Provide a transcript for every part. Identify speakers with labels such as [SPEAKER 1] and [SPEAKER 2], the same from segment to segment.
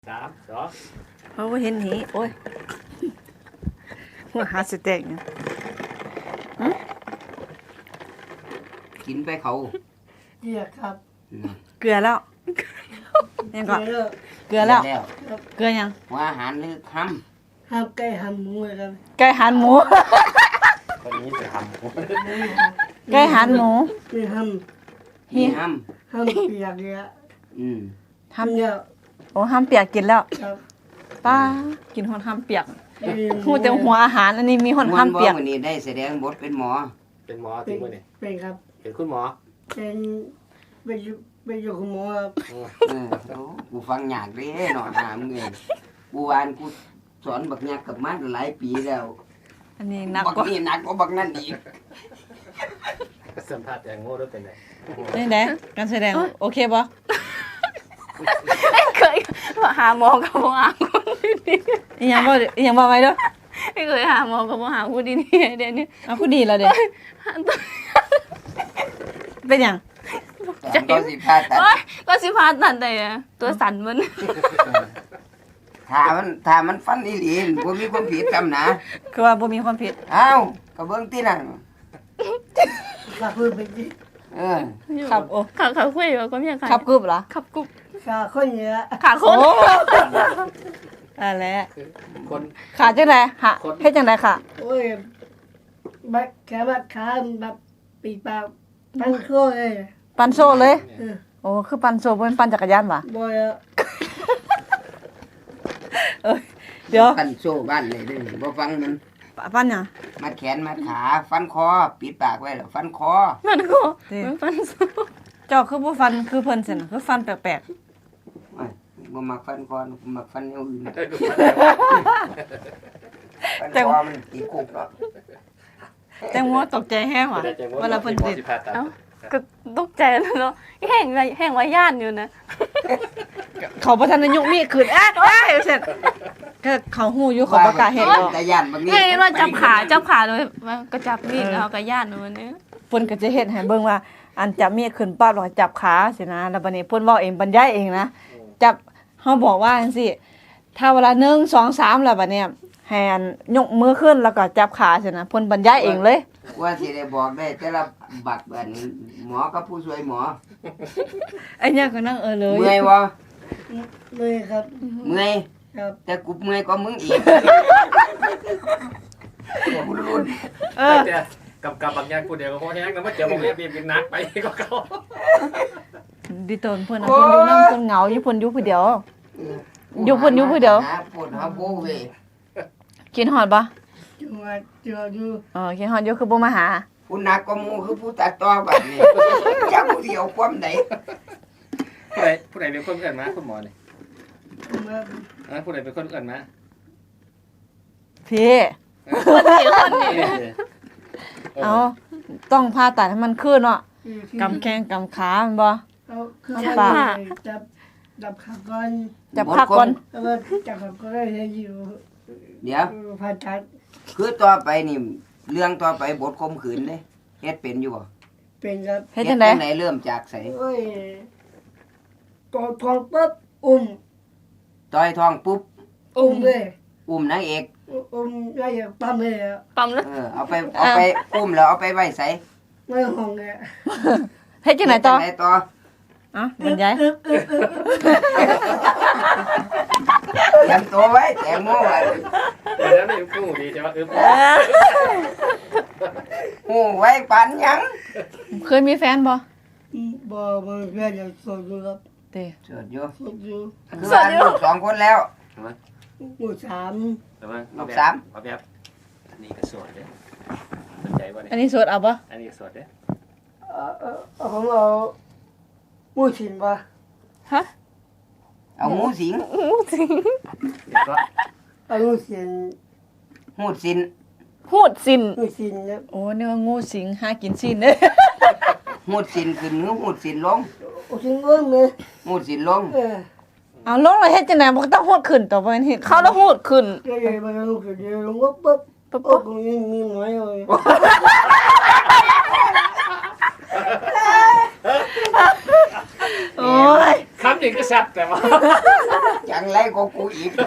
[SPEAKER 1] 3 2
[SPEAKER 2] เขาเห็นหีโอ้ยหัวหาสเต็กเนี่ย
[SPEAKER 3] กินไปเขา
[SPEAKER 4] เกียครับ
[SPEAKER 2] เกลือแล้วยังก่อน
[SPEAKER 4] เกีย
[SPEAKER 2] เกลือแล้ว
[SPEAKER 3] แล้ว
[SPEAKER 2] เกลือยัง
[SPEAKER 3] หัวอาหารหรือห้
[SPEAKER 4] ห้ามไก่ห้ามหมูครับ
[SPEAKER 2] ไก่หันหมู
[SPEAKER 1] คนนี้จะทำ
[SPEAKER 2] ไก่หันหมู
[SPEAKER 4] ไม่ห้าม
[SPEAKER 3] ำมีห้
[SPEAKER 4] ห้ามเปียกเนี่ย
[SPEAKER 3] ำ
[SPEAKER 2] ทำ
[SPEAKER 4] เนี่ย
[SPEAKER 2] โอ้ห้ามเปียกกินแล้ว
[SPEAKER 4] ครับ
[SPEAKER 2] ป้ากินหอนห้ามเปียก
[SPEAKER 4] เอ้ย
[SPEAKER 2] หูแต่หัวอาหารอันนี้มีหอนห้ามเปียก
[SPEAKER 3] วันนี้ได้แสดงบทเป็นหมอ
[SPEAKER 1] เป็นหมอ
[SPEAKER 4] เป็
[SPEAKER 1] จริ
[SPEAKER 4] น
[SPEAKER 1] งมั้ยเนี่ย
[SPEAKER 4] เป็นครับ
[SPEAKER 1] เป็นคุณหมอ
[SPEAKER 4] เป็นอยู่กับหมอครับ
[SPEAKER 3] โอ้กูฟังยากเด้หนอนหามเงยกูวานกูสอนบักยักกับมันหลายปีแล้ว
[SPEAKER 2] อันนี้หนัก
[SPEAKER 3] บัก
[SPEAKER 2] กว่า
[SPEAKER 3] นี่หนักกว่าบักนั่นอีก
[SPEAKER 1] สัมภาษณ์แตงโมด้วยเป็นไง
[SPEAKER 2] นี่แหละการแสดงโอเคปะ
[SPEAKER 5] เคยหาหมอกับหมอหาคนดี
[SPEAKER 2] อีหยังบ่ไว้เด้อ
[SPEAKER 5] ๆไม่เคยหาหมอกับหมอหาคนดีๆเดี๋ยวนี้
[SPEAKER 2] เอาผู้ดีแล้วเด้อเป็นหยัง
[SPEAKER 3] แต่ก็สิพาตัด
[SPEAKER 5] โอ๊ยก็สิพาตัดได้อะตัวสั่นมัน
[SPEAKER 3] ถ้ามันฟันอีหลีนบ่มีความผิดจำนะ
[SPEAKER 2] คือว่าบ่มีความผิด
[SPEAKER 3] เอ้าก็เบิ่งตินั่น
[SPEAKER 4] ข้าพูดไปที่
[SPEAKER 2] ครับโอ้
[SPEAKER 5] ขาคุยกับก็มีใคร
[SPEAKER 2] ครับกรึบเหรอ
[SPEAKER 5] ขับกุบ
[SPEAKER 4] ข้าคนเนี่ย
[SPEAKER 5] ขาค
[SPEAKER 2] โอ้
[SPEAKER 5] น
[SPEAKER 2] อะไร
[SPEAKER 1] คน
[SPEAKER 2] ขาจังไดหะเฮ็ดจังไดค่ะ
[SPEAKER 4] โอ้ยบักแค่บักขาแบบปีปากปันโซ่เลย
[SPEAKER 2] ปันโซ่เลย
[SPEAKER 4] เออ
[SPEAKER 2] โอ้คือปันโซ่บ่เป็นปั่นจักรยานว่ะ
[SPEAKER 4] บ่อย
[SPEAKER 2] เอ้ยเดี๋ยว
[SPEAKER 3] กันโซ่บ้านเลยเด้อบ่ฟังมัน
[SPEAKER 2] ปั่นหยัง
[SPEAKER 3] มัดแขนมัดขาฟันคอปิดปากไว้แล้วฟันคอ
[SPEAKER 5] มันก็มันฟันสู้
[SPEAKER 2] เจ้าคือบ่ฟันคือเพิ่นซั่นน่ะคือฟันแปลก
[SPEAKER 3] โอ้ยบ่มักฟันคอมักฟันอย่างอื่นฟันคอมันติดคุกเนาะ
[SPEAKER 2] ๆแตงโมตกใจแฮงว่ะเวลาเพิ่นติด
[SPEAKER 1] ผ่าตัด
[SPEAKER 5] ก็ตกใจแล้วเนาะแห้งไว้ย่านอยู่นะ
[SPEAKER 2] เขาบ่ทันได้ยกมีดขึ้นเสร็จก็เขาฮู้อยู่เขาบ่กล้าเฮ็ดหรอก
[SPEAKER 3] แต่ย่านบางนี้
[SPEAKER 5] แห้งว่าจับขาเลยมันก็จับมีดแล้วก็ย่านอยู่นี่
[SPEAKER 2] เพิ่นก็จะเฮ็ดให้เบิ่งว่า อันจับมีดขึ้นปั๊บแล้วก็จับขาสินะแล้วบัดนี้เพิ่นเว้าเองบรรยายเองนะจับเฮาบอกว่าจังซี่ถ้าเวลา1 2 3แล้วบัดเนี้ยให้อันยกมือขึ้นแล้วก็จับขาสินะเพิ่นบรรยายเองเลย
[SPEAKER 3] ว่าสิได้บอกได้แต่ละบักบัดนี้หมอกับผู้ช่วยหมอ
[SPEAKER 2] ไอ้เนี่ยก็นั่งเลย
[SPEAKER 3] เมื่อยบ่
[SPEAKER 4] เลยครับ
[SPEAKER 3] เมื่อย
[SPEAKER 4] ครับ
[SPEAKER 3] แต่กูเมื่อยกว่ามึงอีกกูรุน
[SPEAKER 1] แต่กับบางอย่างกูเดียวก็พอแห้งแล้วมาเจอผมเรียบกินนักไปก็เขา
[SPEAKER 2] ดิตนเพิ่นน่ะเพิ่นอยู่นำเพิ่นเหงาอยู่เพิ่นอยู่ผู้เดียวอยู่เพิ่นอยู่ผู้เดียว
[SPEAKER 3] หาปวดหาโบเว้ย
[SPEAKER 2] กินฮอดบ่
[SPEAKER 4] จังหวัดเจออยู่
[SPEAKER 2] กินฮอดอยู่คือบ่มาหา
[SPEAKER 3] ผู้หนักกว่าหมู่คือผู้ตัดต่อบัดนี้จักผู้เดียวความใด
[SPEAKER 1] ผู้ใดเป็นคนเอื่นมาคุณหมอเนี่ย
[SPEAKER 4] มา
[SPEAKER 1] ผู้ใดเป็นคนเอื่นมา
[SPEAKER 2] พี่
[SPEAKER 5] คนนี้
[SPEAKER 2] เอาต้องผ่าตัดให้มันขึ้นเนาะ
[SPEAKER 4] อยู่ที่
[SPEAKER 2] กำแข้งกำขาแม่นบ่
[SPEAKER 4] เอาคือ
[SPEAKER 2] จับ
[SPEAKER 4] ว่า
[SPEAKER 2] ปาก
[SPEAKER 4] จับขาก่อน
[SPEAKER 2] จับขาก่อน
[SPEAKER 4] แล้วก็จับขาก่อนได้อยู่
[SPEAKER 3] เดี๋ยว
[SPEAKER 4] ผ่าตัด
[SPEAKER 3] คือต่อไปนี่เรื่องต่อไปบทข่มขืนเด้เฮ็ดเป็นอยู่บ่
[SPEAKER 4] เป็นครับ
[SPEAKER 2] เฮ็ดจังได๋
[SPEAKER 3] เริ่มจากไส
[SPEAKER 4] โอ้ยกอดทองปุ๊บอุ้ม
[SPEAKER 3] ต่อยท้องปุ๊บ
[SPEAKER 4] อุ้มเลย
[SPEAKER 3] อุ้มนางเอก
[SPEAKER 4] อุ้มได้อย่างปั๊มเลยอะ
[SPEAKER 5] ปั๊มแล้ว
[SPEAKER 3] เอาไปอุ้มแล้วเอาไปไว้ไส
[SPEAKER 4] ไม่ห้องเลยอะ
[SPEAKER 2] เฮ็ดจังไดต่อ
[SPEAKER 3] เฮ็ดจั่งใดต่อ
[SPEAKER 2] บรรยาย
[SPEAKER 3] เตรียมตัวไว้แตงโมไว้
[SPEAKER 1] แล้วนี่กูดีใช่ไหม
[SPEAKER 3] หูไว้ปานหยัง
[SPEAKER 2] เคยมีแฟนบ่
[SPEAKER 4] บ่เพื่อนยังโสดอยู่ครับ
[SPEAKER 2] เต้
[SPEAKER 3] เสิร์ชอยู่
[SPEAKER 4] โสดอยู่
[SPEAKER 3] คือว่าลูก2คนแล้ว
[SPEAKER 4] หมู่สาม
[SPEAKER 1] แต่ว่าเอาแบบอันนี้ก็สวยเด้สนใจว่า
[SPEAKER 2] อัน
[SPEAKER 1] เนี่ย
[SPEAKER 2] นี้โสดเอาบ่
[SPEAKER 1] อันนี้สวยเด้
[SPEAKER 4] ผมเอาหมู่สินป่ะ
[SPEAKER 3] เอาหมูสิง
[SPEAKER 5] จริง
[SPEAKER 1] แล้วก็
[SPEAKER 4] เอาหมู่สิน
[SPEAKER 3] หูดสิน
[SPEAKER 5] พูดสิน
[SPEAKER 4] หมู่สินครับ
[SPEAKER 2] โอ้นึกว่างูสิงหากินซีนเด้
[SPEAKER 3] หูดสินขึ้นหรือหูดสินลง
[SPEAKER 4] โอ้สินเงินเลย
[SPEAKER 3] หูดสินลง
[SPEAKER 2] เอาลงแล้วเฮ็ดจังได๋บ่ต้องโหดขึ้นต่อไปเฮ็ด
[SPEAKER 5] เขาแล้วพูดขึ้น
[SPEAKER 4] เดี๋ยวมาลงเดี๋ยวลงปุ๊บโอ้ก็มีหน่อยเลย
[SPEAKER 2] โอ้ย
[SPEAKER 1] คำหนึ่งก็แซ่บแต่ว่า
[SPEAKER 3] จังไรก็กูอีก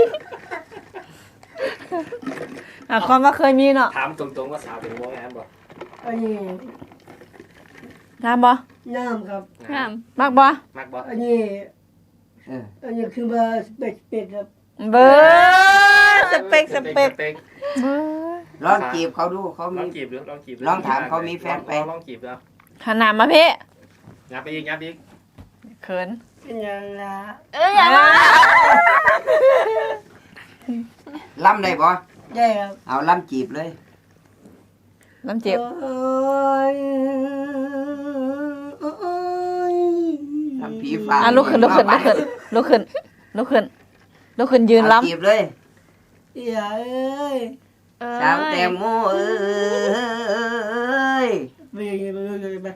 [SPEAKER 2] ความว่าเคยมีเนาะ
[SPEAKER 1] ถามตรงๆว่าสาวเป็นโมงานบ่
[SPEAKER 4] อันนี้
[SPEAKER 2] ถามบ่
[SPEAKER 4] น้ำครับ
[SPEAKER 5] งาม
[SPEAKER 2] มักบ่
[SPEAKER 1] มักบ่
[SPEAKER 4] อันนี้
[SPEAKER 3] เออ
[SPEAKER 4] อันนี้คือว่าเป็ดครับ
[SPEAKER 2] เบอร์สเปกสเปกเบอร์
[SPEAKER 3] ลองจีบเขาดูเขา
[SPEAKER 1] ล
[SPEAKER 3] มี
[SPEAKER 1] องจีบดูลองจีบดู
[SPEAKER 3] ลองถามเขามีแฟนไป
[SPEAKER 1] ลองจีบดู
[SPEAKER 2] ขนาดมาพี่
[SPEAKER 1] งับไปอีกงับอีก
[SPEAKER 2] เขิน
[SPEAKER 4] เป็นอย่างละ
[SPEAKER 5] อย่ามา
[SPEAKER 3] ล่ำได้บ่
[SPEAKER 4] ได้ครับ
[SPEAKER 3] เอาล่ำจีบเลย
[SPEAKER 2] น้ำเจ็บ
[SPEAKER 4] โอ้ยโอ้ย
[SPEAKER 3] ล่ำผีฟ้า
[SPEAKER 2] ลุกขึ้นยืน
[SPEAKER 3] เอา
[SPEAKER 2] ล้ำ
[SPEAKER 3] จีบเลย
[SPEAKER 4] อย่าเอ้ย
[SPEAKER 3] สาวแตงโมเอ้ย
[SPEAKER 4] ไปยังไงไปยังไงไป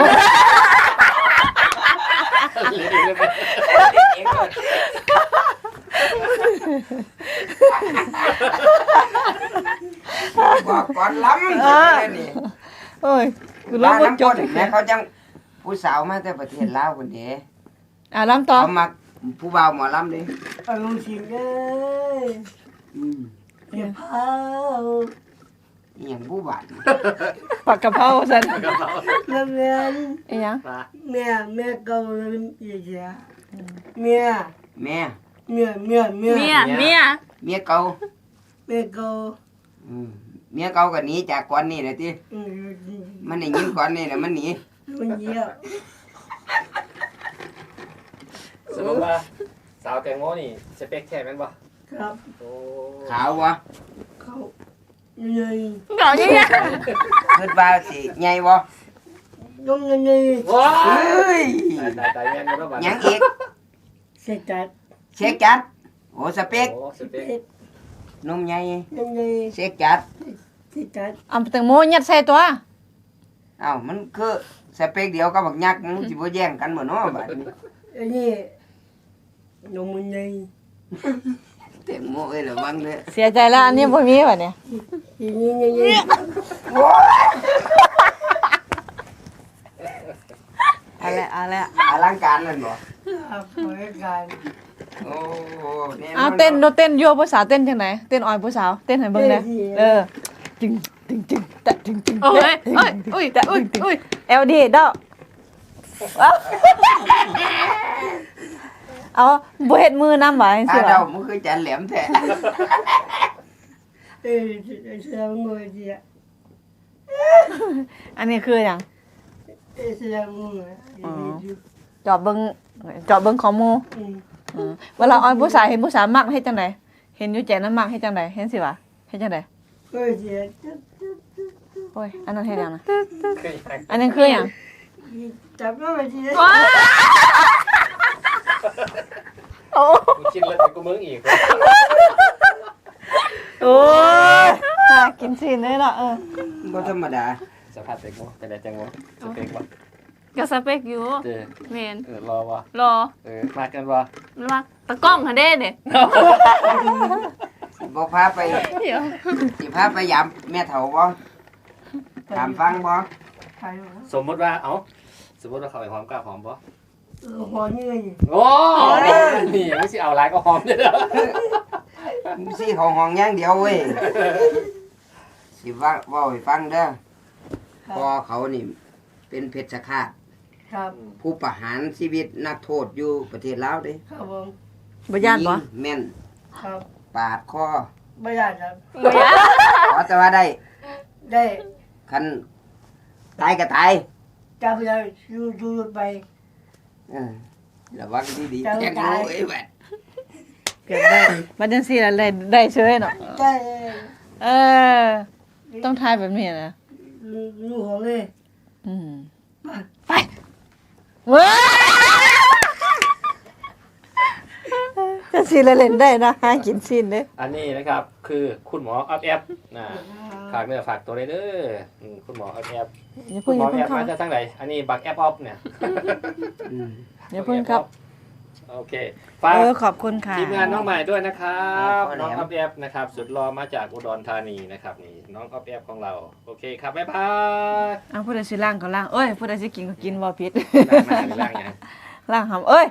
[SPEAKER 3] บอกก่อนล้ำนี่
[SPEAKER 2] โอ้ยกู
[SPEAKER 3] บ้า
[SPEAKER 2] ล้ำบ่
[SPEAKER 3] น้ำ
[SPEAKER 2] จ
[SPEAKER 3] ก้
[SPEAKER 2] บ
[SPEAKER 3] นแม่เขาจังผู้สาวมาแต่ประเทศลาวคนเดีย
[SPEAKER 2] ล้ำต่อ
[SPEAKER 3] เขามักผู้บ่าวหมอลำเลย
[SPEAKER 4] เอาลงสิงเอ้ย
[SPEAKER 3] อืม
[SPEAKER 4] เก็บผ้า
[SPEAKER 3] อหย่างผู้บาด
[SPEAKER 2] ปักกะเพราสัน
[SPEAKER 4] แล้วแม่
[SPEAKER 2] อีหยัง
[SPEAKER 4] แม่เก่าเลยอย่าแม่
[SPEAKER 3] แม่
[SPEAKER 5] เมีย
[SPEAKER 3] เมียเก่า
[SPEAKER 4] แม่เก่า
[SPEAKER 3] อืมเมียเก่าก็หนีจากก่อนนี่แหละติ
[SPEAKER 4] อืม
[SPEAKER 3] มันได้ยินก่อนนี่แหละมันหนี
[SPEAKER 4] มันเยี่ยม
[SPEAKER 1] สรุปว่าสาวแตงโมนี่สเปคแท้แม่นบ่
[SPEAKER 4] ครับ
[SPEAKER 1] โอ้
[SPEAKER 3] ขาววะ
[SPEAKER 4] เขาใหญ่
[SPEAKER 5] เก่าเนี่ย
[SPEAKER 3] คิดว่าสิใหญ่บ่
[SPEAKER 4] ยงใหญ่
[SPEAKER 1] ว้า
[SPEAKER 3] เฮ้ย
[SPEAKER 1] ตายแม่นบ่บ่
[SPEAKER 3] หยังอีก
[SPEAKER 4] เสร็จจัด
[SPEAKER 3] เช็คจัดโอ้สเปก
[SPEAKER 1] โอ้สเปค
[SPEAKER 3] นมใหญ่
[SPEAKER 4] ยังไง
[SPEAKER 3] เช็คจัด
[SPEAKER 4] เสร็จจัด
[SPEAKER 2] เอาแตงโมยัดใส่ตัว
[SPEAKER 3] เอ้ามันคือสเปกเดียวกับบักยักษ์มันสิบ่แย่งกันบ่เนาะบัดนี้
[SPEAKER 4] อันนี้นมมันใหญ่
[SPEAKER 3] เต็มโมเอ้ยระวังเด้อ
[SPEAKER 2] เสียใจแล้วอันนี้บ่มีว่ะเนี่ย
[SPEAKER 4] ทีนี้ยังไง
[SPEAKER 2] เอาละ
[SPEAKER 3] อลังการนั่นบ่
[SPEAKER 4] ครับเหมือนกัน
[SPEAKER 3] โอ้แน่นอน
[SPEAKER 2] เอาเต้นยั่วผู้สาวเต้นจังไหนเต้นอ่อยผู้สาวเต้นให้เบิ่งเด้จึงตะจึง
[SPEAKER 5] โอ้ยอุ้ย
[SPEAKER 2] ตะ
[SPEAKER 5] อุ้ย
[SPEAKER 2] จึง
[SPEAKER 5] อุ้ย
[SPEAKER 2] LD ดอกเอาบ่เฮ็ดมือนำว่าจัง
[SPEAKER 3] ตา
[SPEAKER 2] ซี่
[SPEAKER 3] เดา
[SPEAKER 2] ว่ะ
[SPEAKER 3] มันคือจันแหลมแท้
[SPEAKER 4] เสือมือเดีย
[SPEAKER 2] อันนี้คือหยัง
[SPEAKER 4] เสือมือ
[SPEAKER 2] จอบเบิ่งของหมู่ เวลาออยผู้สาวเห็นผู้สาวมักเฮ็ดจังไดเห็นอยู่แจนั้นมักเฮ็ดจังไดเห็นสิวะเฮ็ดจังได
[SPEAKER 4] ก็เสีย
[SPEAKER 2] โอ้ยอันนั้นเฮ็ดหยังนะ
[SPEAKER 1] คือ
[SPEAKER 2] อันนั้นคือหยัง
[SPEAKER 4] จับก็ไม่เสีย
[SPEAKER 5] ว้า
[SPEAKER 2] โอ้
[SPEAKER 1] กูคิดแล้วกูมึงอีก
[SPEAKER 2] โอ้ยน่ากินสิเลยเนาะ
[SPEAKER 3] บ่ธรรมดา
[SPEAKER 1] สภาพแตงโมเป็นไรแตงโมสเปคบ่
[SPEAKER 5] ก็สเปกอยู่
[SPEAKER 1] เจอ
[SPEAKER 5] เมน
[SPEAKER 1] รอบ่
[SPEAKER 5] รอ
[SPEAKER 1] มากันบ่
[SPEAKER 5] มาตะกล้องค่ะเด้เนี่ย
[SPEAKER 3] สิบ่พาไป
[SPEAKER 5] เดี๋ยว
[SPEAKER 3] สิพาไปยามแม่เฒ่าบ่ถามฟังบ่
[SPEAKER 4] ใครวะ
[SPEAKER 1] สมมุติว่าสมมุติว่าเขาไปหอมกล้าหอมบ่
[SPEAKER 4] หอนี่เลย
[SPEAKER 1] โอ้นี่ไม่สิเอาหลายก็หอมเด้อ
[SPEAKER 3] สิเขาห้องอย่างเดียวเว้ยสิว่าเว้าให้ฟังเด้อพ่อเขานี่เป็นเพชฌฆาต
[SPEAKER 4] ครับ
[SPEAKER 3] ผู้ประหารชีวิตนักโทษอยู่ประเทศลาวเด้
[SPEAKER 4] ครับผม
[SPEAKER 2] บ่ย่านบ่
[SPEAKER 3] ยิงแม่น
[SPEAKER 4] ครับ
[SPEAKER 3] ปาดคอ
[SPEAKER 4] ไม่ได้ครับ
[SPEAKER 5] เบีย
[SPEAKER 3] ขอแต่ว่าได้
[SPEAKER 4] ได้
[SPEAKER 3] คันตายก็ตาย
[SPEAKER 4] จับไปดูไป
[SPEAKER 3] เออระวังดีๆ
[SPEAKER 4] เจ้า
[SPEAKER 3] แจ้ง
[SPEAKER 4] ตาย
[SPEAKER 3] รู้ไอ้แหวด
[SPEAKER 2] เก็บได้บัดจังซี่ล่ะได้เฉยเนาะ
[SPEAKER 4] ได้
[SPEAKER 2] เออต้องทายแบบนี้นะ
[SPEAKER 4] ลูกของเลย
[SPEAKER 2] อืมไปเว้ยจะสิเล่นได้นะหากินซินเด้
[SPEAKER 1] อันนี้นะครับคือคุณหมออัพแอปนะฝากเนื้อฝากตัวเลยเด้อคุณหมออัพแอป
[SPEAKER 2] อย่า
[SPEAKER 1] คุ
[SPEAKER 2] เพิ่
[SPEAKER 1] ณ
[SPEAKER 2] ง
[SPEAKER 1] ห
[SPEAKER 2] อ
[SPEAKER 1] มอย่
[SPEAKER 2] า
[SPEAKER 1] แอ
[SPEAKER 2] เพิ่งเข้า
[SPEAKER 1] ปมาจากทางไหนอันนี้บักแอปออฟเนี่ย
[SPEAKER 3] อืม
[SPEAKER 2] อย่าเพิ่งครับ
[SPEAKER 1] โอเคฝาก
[SPEAKER 2] ขอบคุณค่ะ
[SPEAKER 1] ทีมงานน้องใหม่ด้วยนะครับน้องอัพแอปนะครับสุดรอมาจากอุดรธานีนะครับนี่น้องอัพแอปของเราโอเคครับบ๊ายบาย
[SPEAKER 2] เอาผู้ใดสิล่างก็ล่างเอ้ยผู้ใดสิกินก็กินบ่ผิด
[SPEAKER 1] ล้างหน้าหรือล้างยัง
[SPEAKER 2] ล่างหำเอ้ย